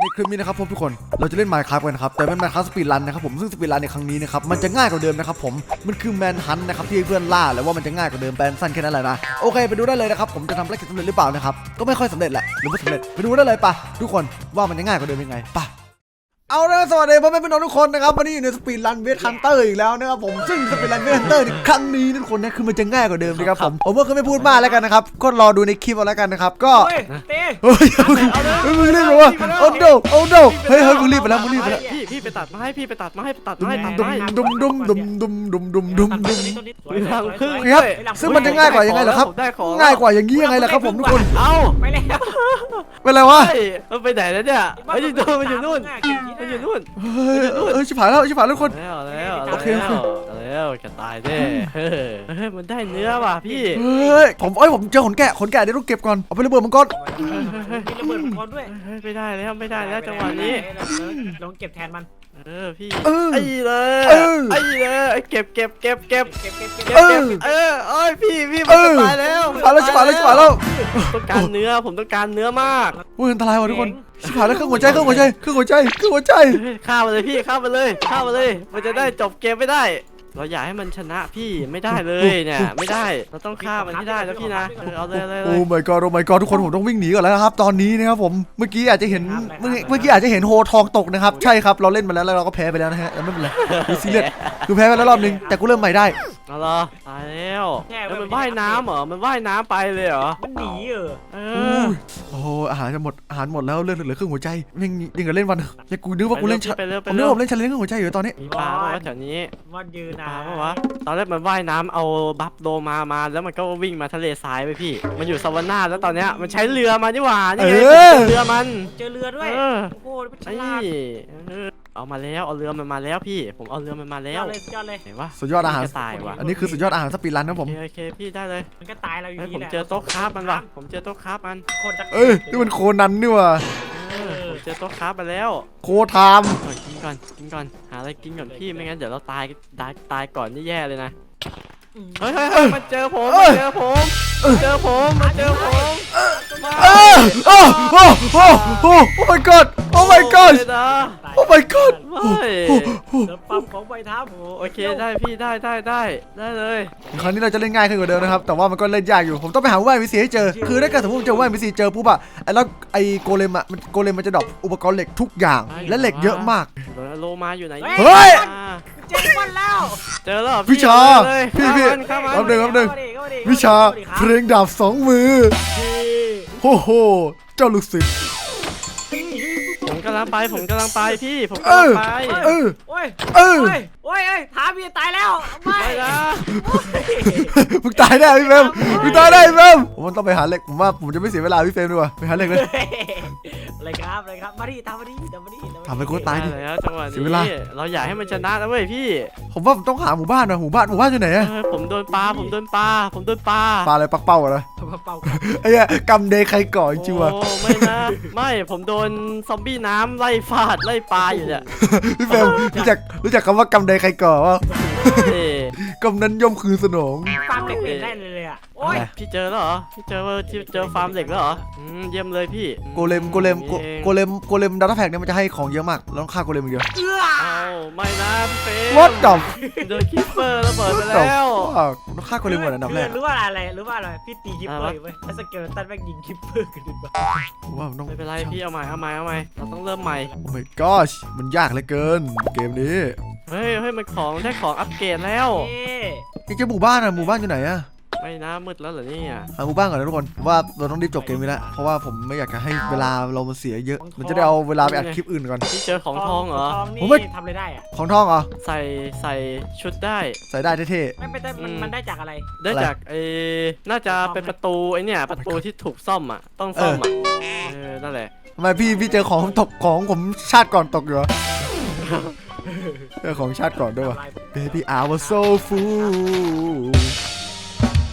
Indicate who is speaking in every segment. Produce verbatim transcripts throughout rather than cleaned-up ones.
Speaker 1: ในคลิปนี้นะครับผมทุกคนเราจะเล่น Minecraft กันนะครับแต่เป็น Minecraft สปีดรันนะครับผมซึ่งสปีดรันในครั้งนี้นะครับมันจะง่ายกว่าเดิมนะครับผมมันคือแมนฮันต์นะครับที่เพื่อนล่าแล้วว่ามันจะง่ายกว่าเดิมแปลสั้นแค่นั้นแหละนะโอเคไปดูได้เลยนะครับผมจะทำภารกิจสำเร็จหรือเปล่านะครับก็ไม่ค่อยสำเร็จแหละหรือไม่สำเร็จไปดูได้เลยปะทุกคนว่ามันจะง่ายกว่าเดิมยังไงปะเอาละสวัสดีพ่อแม่พี่น้องทุกคนนะครับวันนี้อยู่ในสปีดรันเวทฮันเตอร์อีกแล้วนะครับผมซึ่งสปีดรันเวทฮันเตอร์ครั้งนี้ทุกคนนะคือมันจะง่ายกว่าเดิมนะครับผมผมก็ไม่พูดมากแล้วกันนะครับก็รอดูในคลิปเอาแล้วกันนะครับก็
Speaker 2: เต้
Speaker 1: เฮ้ยมึงรีบไปวะโอ้โดโอ้โดเฮ้ยเฮ้ยมึงรีบไปแล้วมึงรีบไปแล้ว
Speaker 3: พี่พี่ไปตัดไม้พี่ไปตัดไม้ตัดไม้ตัด
Speaker 1: ดุม
Speaker 3: ไม้
Speaker 1: ดุมดุมดุมดุมดุมดุมดุมดุม
Speaker 3: ทางครึ่ง
Speaker 1: ครับซึ่งมันจะง่ายกว่ายังไงล่ะครับง่ายกว่าอย่างนี้ยังไงล่ะครับผมทุกคน
Speaker 3: เอ้า
Speaker 2: ไปแล้ว
Speaker 1: เป็นไรวะ
Speaker 3: มันไปไหนแล้วเนี่ยไอ้ที่ตัวมันอยู่นู่นมันอยู่นู่น
Speaker 1: เฮ้ยเออชิบหายแล้วชิบหายแล้วทุกคน
Speaker 3: แล้วแล้ว
Speaker 1: โอเคโอเค
Speaker 3: แล้วจะตายแน่เฮ้ยมันได้เนื้อว่ะพี่
Speaker 1: เฮ้ยผมเอ้ยผมเจอขนแกะขนแกะเดี๋ยวต้องเก็บก่อนเอาไประเบิดมันก่อน
Speaker 2: มีระเบิดมังกรด้วย
Speaker 3: ไม่ได้แล้วไม่ได้แล้วจังหวะนี้
Speaker 2: ลองเก็บแทนมัน
Speaker 3: เออพี่
Speaker 1: เออ
Speaker 3: ไอ้เลยไอ้เลยเก็บเก็บเก็บเก็บ
Speaker 2: เก็บเก็บเก็บ
Speaker 3: เก็บเก็บเออเอ้ยพี่พี่มันจะตายแล้ว
Speaker 1: ชิบหายแล้วชิบหายแล้วชิบหายแล้ว
Speaker 3: ต้องการเนื้อผมต้องการเนื้อมาก
Speaker 1: โอ้ยอันตรายวะทุกคนชิบหายแล้วเครื่องหัวใจเครื่องหัวใจเครื่องหัวใจเครื่องหัวใจ
Speaker 3: ฆ่ามันเลยพี่ฆ่ามันเลยฆ่ามันเลยมันจะได้จบเกมไม่ได้ เราอยากให้มันชนะพี่ไม่ได้เลยเนี่ยไม่ได้เราต้องฆ่ามันให้ได้แล้วพี่นะเอาเลยเลย
Speaker 1: โอ้ my god โอ้ my god ทุกคนผมต้องวิ่งหนีก่อนแล้วนะครับตอนนี้นะครับผมเมื่อกี้อาจจะเห็นเมื่อเมื่อกี้อาจจะเห็นโฮทองตกนะครับใช่ครับเราเล่นมาแล้วแล้วเราก็แพ้ไปแล้วนะฮะไม่เป็นไรดูซีเรียสคือแพ้ไปแล้วรอบนึงแต่กูเริ่มใหม่ได้
Speaker 3: เอาละตายแล้วแล้วมันว่ายน้ำเหรอมันว่ายน้ำไปเลยเหรอ
Speaker 2: มันหนีเออ
Speaker 3: เอ
Speaker 1: โอ้
Speaker 3: อ
Speaker 1: โหอาหารจะหมดอาหารหมดแล้วเลือดเหลือครึ่งหัวใจยังยังกับเล่นวันยังกูนึกว่ากูเล่น
Speaker 3: ไปเร็วไป
Speaker 1: ผมนึ
Speaker 3: เร็
Speaker 1: ก
Speaker 3: ว
Speaker 1: ว่าผมเล่นชาเลนจ์ครึ่งหัวใจอยู่ตอนนี้
Speaker 3: มีปลาปะวะแถวนี้
Speaker 2: มันยืน
Speaker 3: ป
Speaker 2: นะ
Speaker 3: ลาปะวะตอนแรกมันว่ายน้ำเอาบัฟโลมามาแล้วมันก็วิ่งมาทะเลทรายไปพี่มันอยู่ซาวาน่าแล้วตอนเนี้ยมันใช้เรือมานี่หว่านี่ไงเรือมัน
Speaker 2: เจอเรือด้วยโอ้โหฉ
Speaker 3: ไอ้
Speaker 2: ลาด
Speaker 3: เอามาแล้วเอาเรือมันมาแล้วพี่ผมเอาเรือมันมาแล้
Speaker 2: ยอ
Speaker 3: ว
Speaker 2: ดเลยยอดเลย
Speaker 3: เห็นปะ
Speaker 1: สุดยอดอาหาร
Speaker 3: ตายว่ะ
Speaker 1: อันนี้คือสุดยอดอาหารสปีดรันนะผม
Speaker 3: โอเคโอเคพี่ได้เลย
Speaker 2: มันก็ตายเราอยู่
Speaker 3: เฮ้ย
Speaker 2: ดี
Speaker 3: ผม
Speaker 2: แหละ
Speaker 3: เจอโต๊ะคราฟมันว่ะผมเจอโต๊ะคราฟมัน
Speaker 2: คนจะ
Speaker 1: เอ้ยนี่มันโคนันนี่ว่ะ
Speaker 3: เออผมเจอโต๊ะคราฟมาแล้ว
Speaker 1: โคไทม์
Speaker 3: ก่อนกินก่อนกินก่อนหาอะไรกินก่อนพี่ไม่งั้นเดี๋ยวเราตายตายตายก่อนนี่แย่เลยนะเฮ้ยเฮ้ยเฮ้ยมันเจอผมมันเจอผมมันเจอผมมันเจอผม
Speaker 1: เออโอ้โอ้โอ้โอ้ my god โอ้ my god โอ้ my god
Speaker 3: ไม่
Speaker 2: เติมปั๊มของใบทับ
Speaker 3: โอเคได้พี่ได้ได้ได้ได้เลย
Speaker 1: ครั้งนี้เราจะเล่นง่ายขึ้นกว่าเดิมนะครับแต่ว่ามันก็เล่นยากอยู่ผมต้องไปหาว่ายวิสีให้เจอคือถ้าเกิดสมมติเจอว่ายวิสีเจอปุ๊บอะไอ้แล้วไอ้โกเลมอะมันโกเลมมันจะดรอปอุปกรณ์เหล็กทุกอย่างและเหล็กเยอะมาก
Speaker 3: โลมาอยู่ไหน
Speaker 1: เฮ้ย
Speaker 2: เจอมันแล้ว
Speaker 3: เจอแล้ว
Speaker 1: วิชาพี่พี่
Speaker 3: ข้ามัน
Speaker 1: แป๊บนึงแป๊บนึง วิชาเพลงดาบสองมือโอ้โหเจ้าลูกศิษย์
Speaker 3: ผมกำลังไปผมกำลังไปพี่ผม
Speaker 1: เอก
Speaker 3: ำลั
Speaker 1: อง
Speaker 3: ไป
Speaker 1: เออ
Speaker 2: โอ้ย
Speaker 1: เออ
Speaker 2: โอ้ยโอ้ยถามพี่ตายแล้วไม่
Speaker 3: ไม่นะ
Speaker 1: มึงตายแน่พี่เฟรมมึงตายแน่พี่เฟรมผมต้องไปหาเหล็กผมว่าผมจะไม่เสียเวลาพี่เฟรมดีกว่าไปหาเหล็กเลย
Speaker 2: อะไรครับอะไรครับมาดิตามมาดิตามมาดิ
Speaker 1: ทำให้กูตายดิ
Speaker 3: แล้วจังหวะ
Speaker 1: เสียเวลา
Speaker 3: นี้เราอยากให้มันชนะนะเว้ยพี่
Speaker 1: ผมว่าผมต้องหาหมู่บ้านนะหมู่บ้านหมู่บ้านอยู่ไหนอะ
Speaker 3: เออผมโดนปลาผมโดนปลาผมโดนปลา
Speaker 1: ปลาอะไรปักเป้าอะนะ
Speaker 2: เป่า
Speaker 1: ไอ้เหี้ยกำเดย์ใครก่อจริงๆวะ
Speaker 3: โอ้ไม่นะไม่ผมโดนซอมบี้น้ำไล่ฟาดไล่ปลาอยู่เนี่ย
Speaker 1: พี่เฟรมรู้จักรู้จักคำว่ากำเดย์ใครก่อวะ
Speaker 3: เอ้ย
Speaker 1: กำนั้นย่อมคือสนอง
Speaker 2: ฟาร์มเด็กเล่นได้เลยอ่ะโอ้ย
Speaker 3: พี่เจอแล้วเหรอพี่เจอว่าที่เจอฟาร์มเหล็กแล้วเหรออืมเยี่ยมเลยพี่
Speaker 1: โกเลมโกเลมโกโกเลมโกเลมดัตต้าแพ็กเนี่ยมันจะให้ของเยอะมากเราต้องฆ่าโกเลมอย่างเดียว
Speaker 2: เอื้อ
Speaker 3: เอาไม่นะพี่เฟม
Speaker 1: What the
Speaker 3: โดนคิปเปอร์ระเบิดไปแล้ว
Speaker 1: ต้องฆ่าโกเลมก่อนอันดับแรก
Speaker 2: รู้ว่าอะไรรู้ว่าอะไรพี่ตีคิปเปอร์อยู่เว้ยแล้วสเกลตันแม่งยิงคิปเปอร์กันดิบ้า
Speaker 1: ผมว่ามันต้อง
Speaker 3: ไม่เป็นไรพี่เอาใหม่เอาใหม่เอาใหม่เราต้องเริ่มใหม่
Speaker 1: โอ้ my gosh มันยากเหลือเกินเกมนี้
Speaker 3: เฮ้ยเฮ้ยมันของได้ของอัปเกรดแล้ว
Speaker 2: เอ๊ะ
Speaker 1: ยังจะหมู่บ้านอะหมู่บ้านอยู่ไหนอะ
Speaker 3: ไม่นะมืดแล้วเหรอเนี่ย
Speaker 1: หาหมู่บ้านก่อนนะทุกคนว่าเราต้องรีบจบเกมนี้แล้วเพราะว่าผมไม่อยากจะให้เวลาเรามันเสียเยอะมันจะได้เอาเวลาไปอัดคลิปอื่นก่อน
Speaker 3: พี่เจอของทองเหรอ
Speaker 2: ทอง
Speaker 1: ผมไม่
Speaker 2: นี่ทำอะไรได้อ่ะ
Speaker 1: ของทองเหรอ
Speaker 3: ใส่ใส่ชุดได้
Speaker 1: ใส่ได้เท่
Speaker 2: ไม่เป็นไรมันมันได้จากอะไร
Speaker 3: ได้จากไอ้น่าจะเป็นประตูไอ้เนี่ยประตูที่ถูกซ่อมอ่ะต้องซ่อมอ่ะเออนั่นแหละ
Speaker 1: ๆทำไมพี่พี่เจอของตกของผมชาติก่อนตกอยู่เหรอเจอของชาติก่อนด้วยวะ Baby I was so full
Speaker 2: วัวด้วย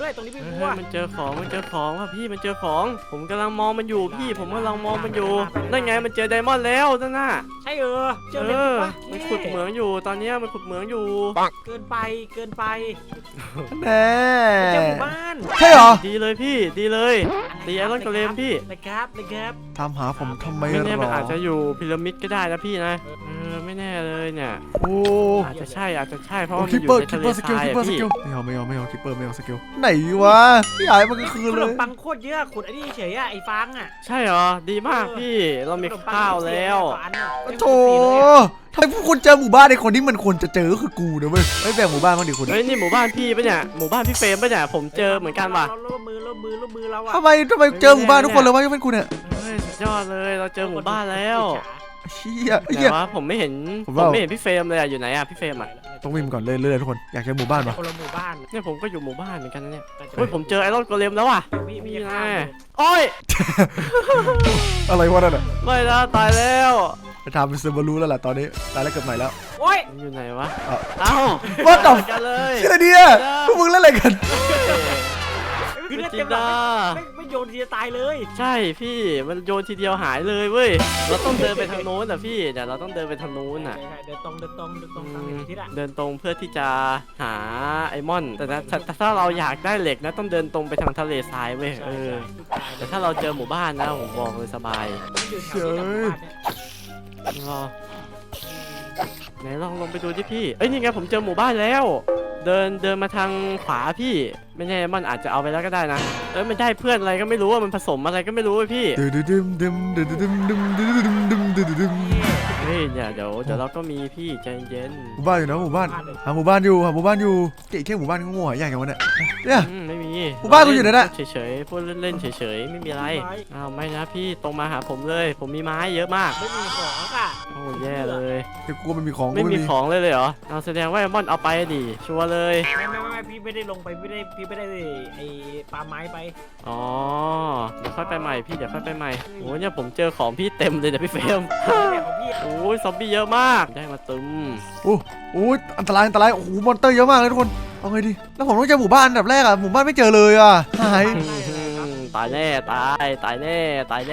Speaker 2: ด้วยตรงนี้มี
Speaker 3: เฮ้
Speaker 2: วัวย
Speaker 3: มันเจอของมันเจอของว่ะพี่มันเจอของผมกำลังมองมันอยู่พี่ผมกำลังมองมันอยู่นั่นไงมันเจอไดมอนด์แล้วนั่นน่ะ
Speaker 2: ใช่เออเจอ
Speaker 3: เอ
Speaker 2: เลย
Speaker 3: อ
Speaker 2: ปะ
Speaker 3: มันขุดเหมืองอยู่ตอนเนี้ยมันขุดเหมืองอยู่
Speaker 2: เกินไปเกินไป
Speaker 1: แน่
Speaker 2: เจอหมู่บ้าน
Speaker 1: ใช่เหรอ
Speaker 3: ดีเลยพี่ดีเลยตีไอรอนกระเลมพี่
Speaker 2: นะครับนะครับ
Speaker 1: ตามหาผมทำไม
Speaker 3: ไม่แน่
Speaker 1: หร
Speaker 3: มัน
Speaker 1: อ
Speaker 3: อาจจะอยู่พีระมิดก็ได้นะพี่นะเออไม่แน่เลยเนี่ย
Speaker 1: โอ้
Speaker 3: อาจจะใช่อาจจะใช่เพราะ
Speaker 1: โอ้
Speaker 3: ว่ามัน
Speaker 1: คิป
Speaker 3: อ
Speaker 1: เปอยู่ ร์
Speaker 3: ใน
Speaker 1: คิ
Speaker 3: ทะ
Speaker 1: ป
Speaker 3: เล
Speaker 1: เปอร์ส
Speaker 3: ท
Speaker 1: กิล
Speaker 3: ราย
Speaker 1: คิปเปอ
Speaker 3: อะ
Speaker 1: ร์ส
Speaker 3: พี่
Speaker 1: กิลไม่เอาไม่เอาไม่เอาคิปเปอร์ไม่เอาสกิลไหนวะพี่หายมันก็คือ
Speaker 2: ข
Speaker 1: เล
Speaker 2: น
Speaker 1: ย
Speaker 2: มปังโคตรเยอะขุดไอ้นี่เฉยอะไอ้ฟางอะ
Speaker 3: ใช่เหรอดีมากพี่เรามีข้าวแล้ว
Speaker 1: โถทำไมผู้คนเจอหมู่บ้านในคนที่มันควรจะเจอก็คือกูนะเว้ยไม่แบ่งหมู่บ้านบ้างดิคุณ
Speaker 3: เฮ้ยนี่หมู่บ้านพี่ปะเนี่ยหมู่บ้านพี่เฟรมปะเนี่ยผมเจอเหมือนกันว่ะ
Speaker 2: ร่วมมือร่วมมือร่วมมือเราอะ
Speaker 1: ทำไมทำไมเจอหมู่บ้านทุกคนเลยวะยกเป็นคุณเนี่ย
Speaker 3: เฮ้ยสุดยอดเลยเราเจอหมู่บ้านแล้ว
Speaker 1: เชี่ย
Speaker 3: ไห
Speaker 1: เหี้ย
Speaker 3: นวะผมไม่เห็น
Speaker 1: ผม
Speaker 3: ผม
Speaker 1: ว่า
Speaker 3: ไม่เห็นพี่เฟรมเลยอะอยู่ไหนอะพี่เฟรมอะ
Speaker 1: ต้องวิ่งก่อนเรื่อยๆทุกคนอยากเจอหมู่บ้านปะ
Speaker 2: คนละหมู่บ้าน
Speaker 3: เนี่ยผมก็อยู่หมู่บ้านเหมือนกันนะเนี่ยเฮ้ยผมเจอไอรอนโกเลมแล้วว่ะ
Speaker 2: พี่พี่
Speaker 3: นี่
Speaker 2: จะ
Speaker 3: นะ
Speaker 2: ฆ่า
Speaker 3: โอ้ย
Speaker 1: อะไรวะนั่นอ่ะ
Speaker 3: ไม่นะตายแล้ว
Speaker 1: จะทำเป็นเซอร์บารูแล้วแหละตอนนี้ตายแล้วเกิดใหม่แล้ว
Speaker 2: โอ้ย
Speaker 3: มันอยู่ไหนวะ
Speaker 1: เอ้า
Speaker 3: เอ้า
Speaker 1: What the
Speaker 3: กันเลย
Speaker 1: ชื่ออะไรเนี่ยพวกมึงเล่นอะไรกัน
Speaker 2: คือเลือด
Speaker 3: จิ
Speaker 2: เต็
Speaker 3: น
Speaker 2: มหลั
Speaker 3: ดาง
Speaker 2: ไม่ไม่โยนทีจะตายเลย
Speaker 3: ใช่พี่มันโยนทีเดียวหายเลยเว้ยเราต้องเดินไปทางโน้นอ่ะพี่เดี๋ยวเราต้องเดินไปทางโน้นอ่ะ
Speaker 2: เดินตรงเดินตรงเดินตรงตาม
Speaker 3: อืม
Speaker 2: ทิศอะ
Speaker 3: เดินตรงเพื่อที่จะหาไอมอน แต่นะถ้าถ้าถ้าเราอยากได้เหล็กนะต้องเดินตรงไปทางทะเลทรายเว้ยเออแต่ถ้าเราเจอหมู่บ้านนะผมบอกเลยสบาย
Speaker 2: อยู่แถวที่หลังบ้านเนี่ย
Speaker 3: รอไหนลองลงไปดูดิพี่เอ้ยนี่ไงผมเจอหมู่บ้านแล้ว เดินเดินมาทางขวาพี่ไม่แน่มันอาจจะเอาไปแล้วก็ได้นะเอ้ยมันได้เพื่อนอะไรก็ไม่รู้ว่ามันผสมอะไรก็ไม่รู้เว้ยพี่
Speaker 1: ดึมดึมดึมดึมดึมดึมดึมดึมดึมดึมดึม
Speaker 3: เฮ้ยเนี่ยเดี๋ยวเดี๋ยวเราก็มีพี่ใจเย็น
Speaker 1: หมู่บ้านอยู่นะหมู่บ้านหาหมู่บ้านอยู่หาหมู่บ้านอยู่เก๋แค่หมู่บ้านก็โง่ใหญ่กันวะเนี่ยเนี่ย
Speaker 3: อืมไม่มี
Speaker 1: หมู่บ้านกูอยู่ไหนน่ะ
Speaker 3: เฉยๆพูดเล่นๆเฉยๆไม่มีอะไรอ้าวไม่นะพี่ตรงมาหาผมเลย ผมมีไม้เยอะมาก
Speaker 2: ไม่มีของอ่ะ
Speaker 3: โอ้แย่เลย
Speaker 1: แต่กูไม่มีของ
Speaker 3: ไม่
Speaker 1: กู
Speaker 3: มีของเลยเลยเหรอเอาแสดงว่าไอ้มอนเอาไปดิชัวร์เลย
Speaker 2: ไม่ไม่ไม่พี่ไม่ได้ลงไปไม่ได้พี่ไม่ได้ไอ้ปาไม้ไป
Speaker 3: อ๋อเดี๋ยวค่อยไปใหม่พี่เดี๋ยวค่อยไปใหม่โอ้ยเนี่ยผมเจอของพี่เต็มเลยเนี่ยพี่เฟรม
Speaker 2: แบบของพี่
Speaker 3: โอ้ยซอมบี้เยอะมากได้มาตึม
Speaker 1: โอ้โหอันตรายอันตรายโอ้โหมอนเตอร์เยอะมากเลยทุกคนเอาไงดีแล้วผมต้องเจอหมู่บ้านอันดับแรกอ่ะหมู่บ้านไม่เจอเลยอ่ะหาย
Speaker 3: ตายแน่ตายตายแน่ตายแน่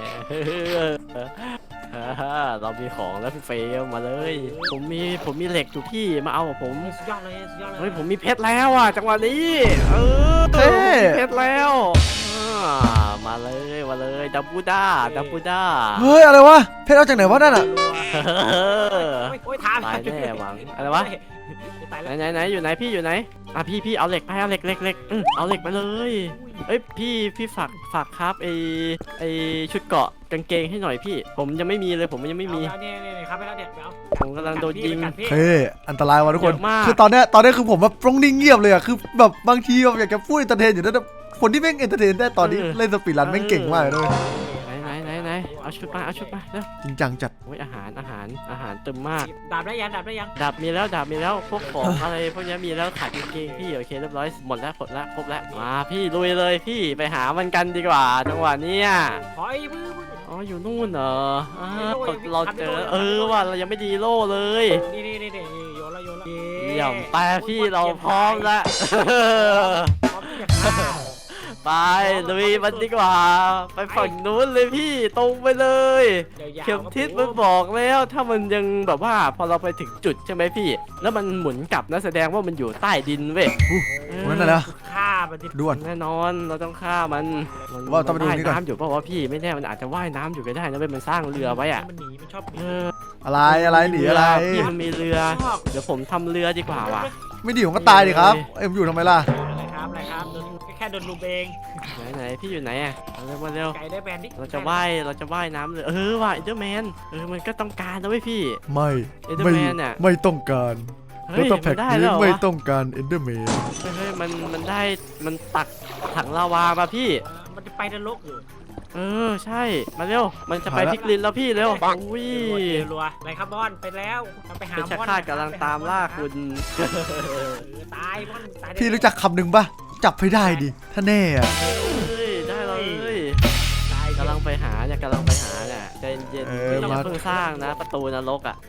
Speaker 3: เรามีของแล้วพี่เฟรมมาเลย ผมมีผมมีเหล็กอยู่พี่มาเอากับผม
Speaker 2: สุดยอดเลยสุดยอดเลย
Speaker 3: เฮ้ยผมมีเพชรแล้วอ่ะจังหวะนี้เออ
Speaker 1: เท่
Speaker 3: มีเพชรแล้วอ่ามาเลยมาเลยดับบูด้าดับบูด้า
Speaker 1: เฮ้ยอะไรวะเพชรเอาจากไหนวะนั่นอ่ะ
Speaker 2: โอ้ยทาง
Speaker 3: ตายแน่หวังอะไรวะ
Speaker 2: ตาย
Speaker 3: ไหน
Speaker 2: แล้ว
Speaker 3: ไหนไหนอยู่ไหนพี่อยู่ไหนอ่ะพี่พี่เอาเหล็กไปเอาเหล็กเหล็กเหล็กอืมเอาเหล็กไปเลยเอ้ยพี่พี่ฝากฝากครับไอไอชุดเกราะกางเกงให้หน่อยพี่ ผมยังไม่มีเลยผมยังไม่มี
Speaker 2: เอาเนี่ยเนี่ยครับไปแล้วเนี่ยไปเอา
Speaker 3: ผมกำลังโดนยิง
Speaker 1: เฮ้ยอันตรายวะทุกคน
Speaker 3: เยอะมาก
Speaker 1: คือตอนเนี้ยตอนเนี้ยคือผมแบบต้องนิ่งเงียบเลยอ่ะคือแบบบางทีแบบอยากจะพูดเอนเตอร์เทนอยู่นะแต่คนที่แม่งเอนเตอร์เทนได้ตอนนี้เล่นสปีดรันแม่งเก่งมากเลยด้วย
Speaker 3: ไหนไหนไหนไหนเอาชุดมาเอาชุดมาเร็ว
Speaker 1: จริงจังจัด
Speaker 3: โอ้ยอาหารอาหารอาหารเต็มมาก
Speaker 2: ดาบได้ยังดาบได้ยัง
Speaker 3: ดาบมีแล้วดาบมีแล้วพวกของอะไรพวกนี้มีแล้วขาดกางเกงพี่โอเคเรียบร้อยหมดแล้วหมดแล้วครบแล้วมาพี่ลุยเลยพี่ไปหามันกันดีกว่าจังหวะเนี้ย
Speaker 2: ขอไอ้มือ
Speaker 3: อ๋ออยู่นู่นเหรออ่า
Speaker 2: โล่ยัง
Speaker 3: เราเจอ
Speaker 2: ทำไม่โล่
Speaker 3: เออว่าเรายังไม่ดีโล่เลย
Speaker 2: นี่นี่นี่นี่โยนละโยนละ
Speaker 3: เยี่ยมไปพี่เราพร้อมแล้ว
Speaker 2: พร้อมที่จะฆ่า
Speaker 3: ไปลุยมันดีกว่า ไปฝั่งนู้นเลยพี่ตรงไปเลย
Speaker 2: ยาวๆ
Speaker 3: เข็มทิศมันบอกแล้วถ้ามันยังแบบว่าพอเราไปถึงจุดใช่ไหมพี่ แล้วมันหมุนกลับนะแสดงว่ามันอยู่ใต้ดินเว้ย
Speaker 1: วันนั้นนะ
Speaker 2: ฆ่ามันที่
Speaker 1: ด่วน
Speaker 3: แน่นอนเราต้องฆ่ามันมัน
Speaker 1: ว่าต้องไปดู
Speaker 3: ว่าย
Speaker 1: นี่ก่อน
Speaker 3: น้ำอยู่เพราะว่าพี่ไม่แน่มันอาจจะว่ายน้ำอยู่ก็ได้นะเว้ยมันสร้างเรือไว้อะ
Speaker 2: มันหนีมันชอบหนี
Speaker 3: เออ
Speaker 1: อะไรอะไรหนีอะไร
Speaker 3: พี่มันมีเรือ
Speaker 2: ชอบ
Speaker 3: เดี๋ยวผมทำเรือดีกว่าว่ะ
Speaker 1: ไม่ดีผมก็ตายดิครับเอ็มอยู่ทำไมล่ะ
Speaker 2: อะไรครับอะไรครับโดนแค่โดนลูเบง
Speaker 3: ไหนไหนพี่อยู่ไหนอะเอาเร็วมาเร็ว
Speaker 2: ไก่ได้แบนดิ
Speaker 3: เราจะว่ายเราจะว่ายน้ำเลยเออว่ะเอเดอร์แมนเออมันก็ต้องการนะเว้ยพี่
Speaker 1: ไม่
Speaker 3: เอ็นเดอร์
Speaker 1: ไม่
Speaker 3: แมนน่ะ
Speaker 1: ไม่ต้องการ
Speaker 3: เฮ้
Speaker 1: ร
Speaker 3: ย
Speaker 1: ถตะแพ็
Speaker 3: มั
Speaker 1: ก
Speaker 3: นได้
Speaker 1: นี้
Speaker 3: แล้วเหรอ
Speaker 1: ไม่
Speaker 3: วะ
Speaker 1: ต้องการเอนเดอร์แมน
Speaker 3: เฮ้ยเฮ้ยมันมันได้มันตักถังลาวามาพี่
Speaker 2: มันจะไปนรกเหรอ
Speaker 3: เออใช่มาเร็วมันจะไปพิกลินแล้วพี่เร็วอุ้ย
Speaker 2: รัวอะไรครับบอลไปแล้วไปหา
Speaker 3: เป็นชา
Speaker 2: บอล
Speaker 3: คาดกำลังตามล่าคุณ
Speaker 2: ตายบอลตาย
Speaker 1: พี่รู้จักคำหนึ่งปะจับให้ได้ดิถ้าแน่อะ
Speaker 3: เฮ้ยได้เลย
Speaker 2: ตาย
Speaker 3: กำลังไปหาเนี่ยกำลังไปหาเนี่ยใจเย็นๆ
Speaker 1: เอ
Speaker 3: ไม่
Speaker 1: อ
Speaker 3: ต้อง
Speaker 1: มา
Speaker 3: เพิ่งสร้างนะ ประตูนรกอ่ะ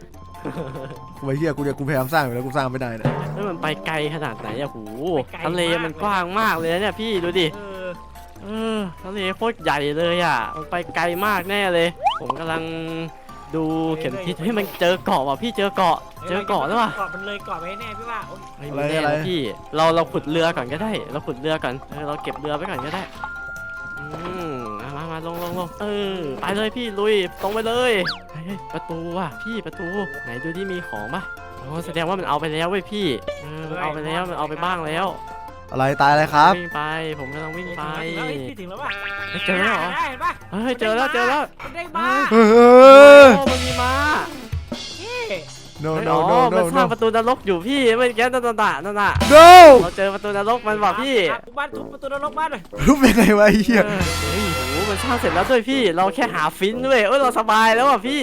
Speaker 1: กูไอ้เหี้ยกูจะกูพยายามสร้างอยู่แล้วกูสร้างไม่ได้นะ
Speaker 3: เฮ้ยมันไปไกลขนาดไหนอะโหทะเลมันกว้างมากเลยนะเนี่ยพี่ดูดิ
Speaker 2: เออ
Speaker 3: เออทะเลโคตรใหญ่เลยอ่ะมันไปไกลมากแน่เลย ผมกำลังดูเข็มทิศให้ยมันเจอเกาะว่ะพี่เจอเกาะเจอเกาะแล้วว่ะ
Speaker 2: เกาะมันเลยเกาะไปแน่พี่ว่าโอ๊ย
Speaker 3: ไม่มีแน่นะพี่เราเราขุดเรือก่อนก็ได้ เราขุดเรือก่อนเออเราเก็บเรือไว้ก่อนก็ได้อืมมามามาลงลงลงเออไปเลยพี่ลุยตรงไปเลยเฮ้ยเฮ้ยประตูว่ะพี่ประตูไหนดูดิมีของปะโอ้แสดงว่ามันเอาไปแล้วเว้ยพี่เออมันเอาไปแล้วมันเอาไปบ้างแล้ว
Speaker 1: อะไรตายอะไรครับ
Speaker 3: วิ่งไปผมกำลังวิ่งไป
Speaker 2: ถึงแล้วพี่ถึงแล้วป่ะ
Speaker 3: เจอแล้วเหรอ
Speaker 2: เห็นปะ
Speaker 3: เฮ้ยเจอแล้วเจอแล้ว
Speaker 2: มันได้มา
Speaker 1: เอ
Speaker 3: โอ้
Speaker 1: อ
Speaker 3: มันมีม้า
Speaker 2: พี่
Speaker 1: no
Speaker 3: เฮ้ย
Speaker 1: no
Speaker 3: อ๋อ
Speaker 1: no
Speaker 3: มัน
Speaker 1: no
Speaker 3: สร้าง
Speaker 1: no
Speaker 3: ประตูนรกอยู่พี่เมื่อกี้นั่นน่ะนั่นน่ะ
Speaker 1: no
Speaker 3: เราเจอประตูนรกมันบอกพี่
Speaker 2: ทุบบ้านทุบประตูนรกบ้านเลย
Speaker 1: รูปยังไงวะไอ้เหี้ย
Speaker 3: เออเฮ้ยโหมันสร้างเสร็จแล้วด้วยพี่ เราแค่หาฟินด้วยเอ้ยเราสบายแล้วอ่ะพี่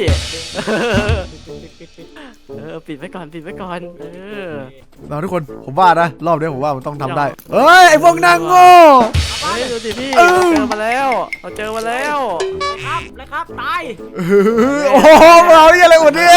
Speaker 3: เออปิดไว้ก่อนปิดไว้ก่อนเออ
Speaker 1: มาทุกคนผมว่านะรอบนี้ผมว่ามันต้องทำได้เฮ้ยไอ้พวกนางโง่
Speaker 3: เฮ้ยดูดิพี่
Speaker 1: เอ
Speaker 3: เรา
Speaker 1: อ
Speaker 3: เจอมาแล้วเราเจอมาแล้ว
Speaker 2: ครับเลยครับตาย
Speaker 1: เออโอ้โหมาเอาเหี้ยอะไรหมดเนี่ย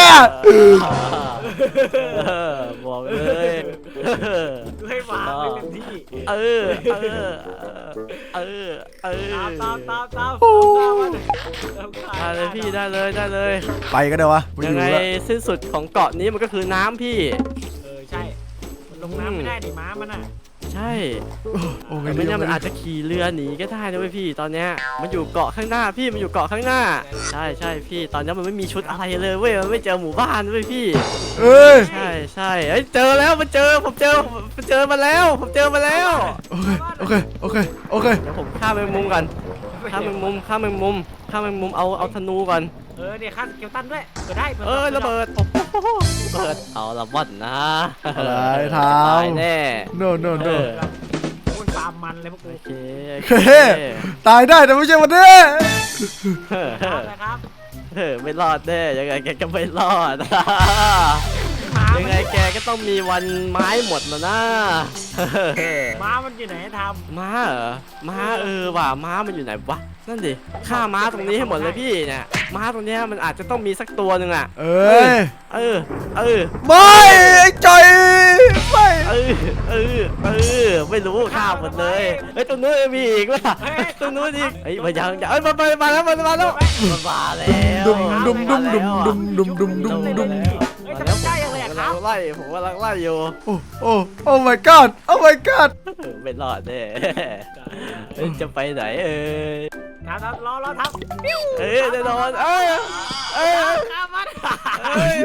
Speaker 3: เออบอกเลย
Speaker 2: ดูให้หมาไม่เต็มที่
Speaker 3: เออเออเออเออ
Speaker 2: ตามตามตามตามตามมาเลย
Speaker 3: ได้เลยพี่ได้เลยได้เลย
Speaker 1: ไปกันเดี๋ยววะไม่
Speaker 3: ยั
Speaker 1: อง ยู่
Speaker 3: ไง
Speaker 1: แล้ว
Speaker 3: สิ้นสุดของเกาะนี้มันก็คือน้ำพี่
Speaker 2: เออใช่มันลงน้ำไม่ได้ดิม้ามันอ่ะ
Speaker 3: ใช่
Speaker 1: โอ้
Speaker 3: แต่
Speaker 1: ย
Speaker 3: ไม่แน่มันอาจจะขี่เรือหนีก็ได้นะเว้ยพี่ตอนเนี้ยมันอยู่เกาะข้างหน้าพี่มันอยู่เกาะข้างหน้า ใช่ใช่พี่ตอนนี้มันไม่มีชุดอะไรเลยเว้ยมันไม่เจอหมู่บ้านเว้ยพี่
Speaker 1: เอ้ย
Speaker 3: ใช่ใช่เอ้ยเจอแล้วมันเจอผมเจอผมเจอมาแล้ว ผมเจอมาแล้ว
Speaker 1: โอเคโอเคโอเคโอเค
Speaker 3: เดี๋ยวผมฆ่าแมงมุมก่อนฆ่าแมงมุมฆ่าแมงมุมฆ่าแมงมุมเอาเอาธนูก่อน
Speaker 2: เออเนี่ยค่าสเกลตันด้วยเปิดได้
Speaker 3: เออระเบิดโอ้โหเปิดเอาละบ่อนนะ
Speaker 1: อะไรท
Speaker 3: ตายแน่
Speaker 1: ำ no no
Speaker 3: เอ
Speaker 1: no
Speaker 3: อ
Speaker 2: โอ้ยฟาร์มมันเลยพวกกู
Speaker 3: โอเค
Speaker 1: โอเค ตายได้แต่ไม่ใช่วันนี้
Speaker 2: ครับนะครับ
Speaker 3: เออไม่รอดแน่ยังไงแกก็ไม่รอด
Speaker 2: ม้า
Speaker 3: ยังไงแกก็ต้องมีวันไม้หมดแล้วนะ
Speaker 2: ม้ามันอยู่ไหนท
Speaker 3: ม้าเหรอม้าเออว่ะม้ามันอยู่ไหนวะนั่นดิฆ่าม้าตรงนี้ให้หมดเลยพี่เนี่ยม้าตรงเนี้ยมันอาจจะต้องมีสักตัวหนึ่งอ่ะ
Speaker 1: เอ้ย
Speaker 3: เออเออ
Speaker 1: ไม่ไอ้จอยไม่
Speaker 3: เออเออเออไม่รู้ฆ่าหมดเลยเฮ้ยตรงนู้นมีอีกว่ะตรงนู้นอีกเฮ้ยมายังยังเอ้ยมามามาแล้วมามาแล้วมามาแล้ว
Speaker 1: ดุมดุมดุมดุมดุมดุมดุมดุมดุม
Speaker 2: ำเฮ้ยทำไมใกล้ยังเลย
Speaker 3: ผม
Speaker 2: อะค
Speaker 3: กำลั
Speaker 2: รับ
Speaker 3: งไล่ผมกำลังไล่อยู่
Speaker 1: โอ้โอ้โอ้ my god โอ้ my god
Speaker 3: ไม่รอดแน่เฮ้ยจะไปไหนเอ้ย
Speaker 2: ทำทำรอรอทำปิ้ว
Speaker 3: เอ้ยแน่นอนเอ้ยเอ้ย
Speaker 2: ข้ามมัน
Speaker 3: เอ้ย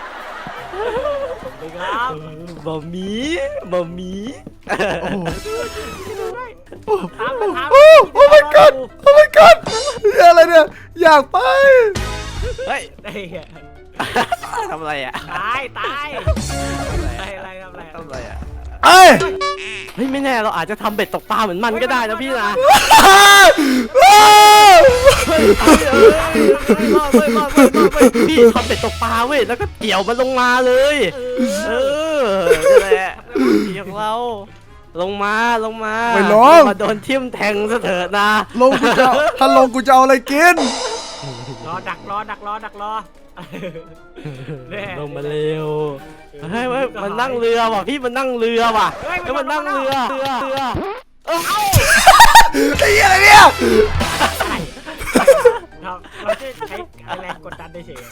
Speaker 2: ไปครับ
Speaker 3: บะหมี่บะหมี่
Speaker 1: โอ้โห
Speaker 2: ตามไปทำ
Speaker 1: โอ้โอ้ my god โอ้ my god เหี้ยอะไรเนี่ยอยากไป
Speaker 3: เฮ้ย
Speaker 2: ไอ้เหี้ย
Speaker 3: ทำอะไรอ่ะ
Speaker 2: ตายตายอะไรอะไรทำอะไร
Speaker 3: ทำอะไรอ่ะ
Speaker 1: เอ้ย
Speaker 3: เฮ้ยไม่แน่เราอาจจะทำเบ็ดตกปลาเหมือนมันก็ได้นะพี่นะ เฮ้ยเฮ้ยเฮ้ยรอดเว้ยรอดเว้ยรอดเว้ยพี่ทำเบ็ดตกปลาเว้ยแล้วก็เกี่ยวมันลงมาเลย เออนั่นแหละเกี่ยวเราลงมาลงมา
Speaker 1: ไม่ลง
Speaker 3: มาโดนทิ่มแทงซะเถิดนะ
Speaker 1: ลงกูจะเอาถ้าลงกูจะเอาอะไรกิน
Speaker 2: รอดักรอดักรอดักรอ
Speaker 3: ลงมาเร็วเฮ้ยเว้ยมันนั่งเรือว่ะพี่มันนั่งเรือว่ะ
Speaker 2: เฮ้ย
Speaker 3: แล้วมันนั่งเรือเรือเรือ
Speaker 2: เอ้า
Speaker 1: ไอ้เหี้ยอะไรเนี่ย
Speaker 2: เราเราจะใช้แรงกดดันได้เฉย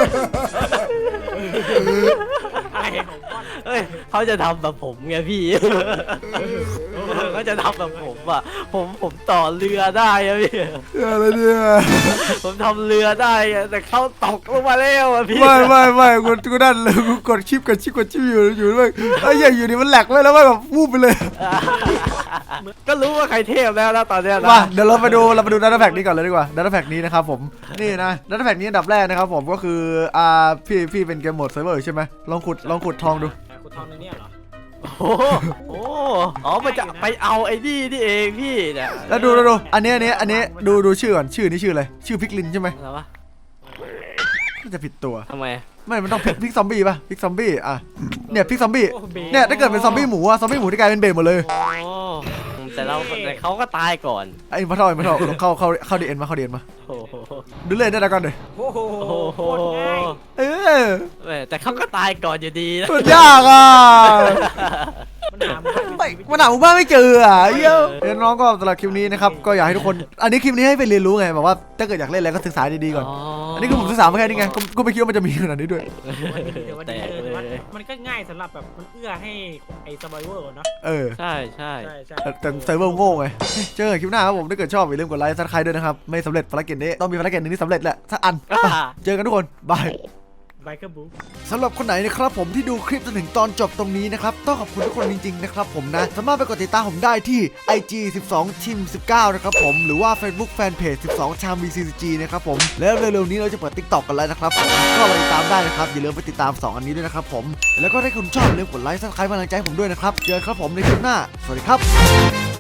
Speaker 2: อะไรของก้อน
Speaker 3: เฮ้ยเขาจะทำแบบผมไงพี่ เขาจะทำแบบผมอ่ะผมผมต่อเรือได้อะพี่
Speaker 1: อะไรเนี่ย
Speaker 3: ผมทำเรือได้อะแต่เขาตกลงมาแล้วอะพี่
Speaker 1: ไม่ไม่ไม่กูกูนั่นเลยกูกดชิปกดชิปกดชิปอยู่อยู่ด้วยไอ้เหี้ยอยู่นี่มันแหลกไว้แล้วแบบวูบไปเลย
Speaker 3: ก็รู้ว่าใครเทพแล้วนะตอนเนี้ยนะ
Speaker 1: มาเดี๋ยวเราไปดูเราไปดูดัตต้าแพ็กนี้ก่อนเลยดีกว่าดัตต้าแพ็กนี้นะครับผมนี่นะดัตต้าแพ็กนี้อันดับแรกนะครับผมก็คืออ่าพี่พี่เป็นเกมโหมดเซิร์ฟเวอร์ใช่ไหมลองขุดลองขุดทองดู
Speaker 2: คุณทองในนี้เหรอ
Speaker 3: โอ้โหโอ้อ๋อมันจะไปเอาไอ้นี่นี่เองพี่เนี่ย
Speaker 1: แล้วดูดูดูอันนี้อันนี้อันนี้ดูดูชื่อก่อนชื่อนี้ชื่ออะไรชื่อพิกลินใช่ไหม
Speaker 3: อะไรวะ
Speaker 1: น่าจะผิดตัว
Speaker 3: ทำไม
Speaker 1: ไม่มันต้องพิกพิกซอมบี้ป่ะพิกซอมบี้อ่ะเนี่ยพิกซอมบี้
Speaker 2: โอ้โห
Speaker 1: เนี่ยถ้าเกิดเป็นซอมบี้หมูอะซอมบี้หมูที่กลายเป็นเบนหมดเลย
Speaker 3: โอ้แต่เราแต่เขาก็ตายก่อน
Speaker 1: ไอ้มาเท่าไอ้มาเท่าเข้าเข้าเข้าดีเอ็นมาเข้าดีเอ็นมา
Speaker 3: โอ้โห
Speaker 1: ดูเลยได้แล้วกันเลย
Speaker 2: โอ้โห
Speaker 3: โอ้โห
Speaker 2: โคตรง่าย
Speaker 1: เออ
Speaker 3: แหม่แต่เขาก็ตายก่อนอยู่ดีนะ
Speaker 1: สุดยากอ่ะ
Speaker 2: มันหาหมู่บ้าน
Speaker 1: ไม่มันหาหมู่บ้านไม่เจออ่ะเหี้ยเดี๋ยวน้องก็สำหรับคลิปนี้นะครับก็อยากให้ทุกคนอันนี้คลิปนี้ให้ไปเรียนรู้ไงแบบว่าถ้าเกิดอยากเล่นอะไรก็ศึกษาดีๆก่อน อันนี้คือผมศึกษามาแค่นี้ไงก็ก็ไม่คิดว่ามันจะมีขนาดนี้ด้วย
Speaker 2: แต่ว่า
Speaker 3: แต
Speaker 2: ดี
Speaker 3: ก
Speaker 2: เลย
Speaker 3: เล
Speaker 2: มัน
Speaker 3: ย
Speaker 2: มันก็ง่ายสำหรับแบบมันเอื้อให้ไอ้สบายเวอร์เนาะ
Speaker 1: เออ
Speaker 3: ใช่ใช่
Speaker 2: ใช่ใช่
Speaker 1: แต่แต่เซิร์ฟเวอร์โง่ไงเฮ้ยเจอกันคลิปหน้าครับผมถ้าเกิดชอบอย่าลืมกดไลค์ซับสไครต์ด้วยนะครับไม่สำเร็จภารกิจนี้ต้องมีภารกิจหนึ่งที่สำเร็จแหละสักอัน
Speaker 3: อ่า
Speaker 1: เจอกันทุกคนบาย
Speaker 2: ไบเกอร์บุ๊ก
Speaker 1: สำหรับคนไหนนะครับผมที่ดูคลิปจนถึงตอนจบตรงนี้นะครับต้องขอบคุณทุกคนจริงๆนะครับผมนะสามารถไปกดติดตามผมได้ที่ ไอ จี สิบสอง ทีม สิบเก้า นะครับผมหรือว่า Facebook Fanpage สิบสอง ชาม บี ซี ซี จี นะครับผมแล้วเร็วๆนี้เราจะเปิด TikTok กันแล้วนะครับผมก็ไปติดตามได้นะครับอย่าลืมไปติดตามสองอันนี้ด้วยนะครับผมแล้วก็ถ้าคุณชอบอย่าลืมกดไลค์ซับสไครต์กำลังใจให้ผมด้วยนะครับเจอกันครับผมในคลิปหน้าสวัสดีครับ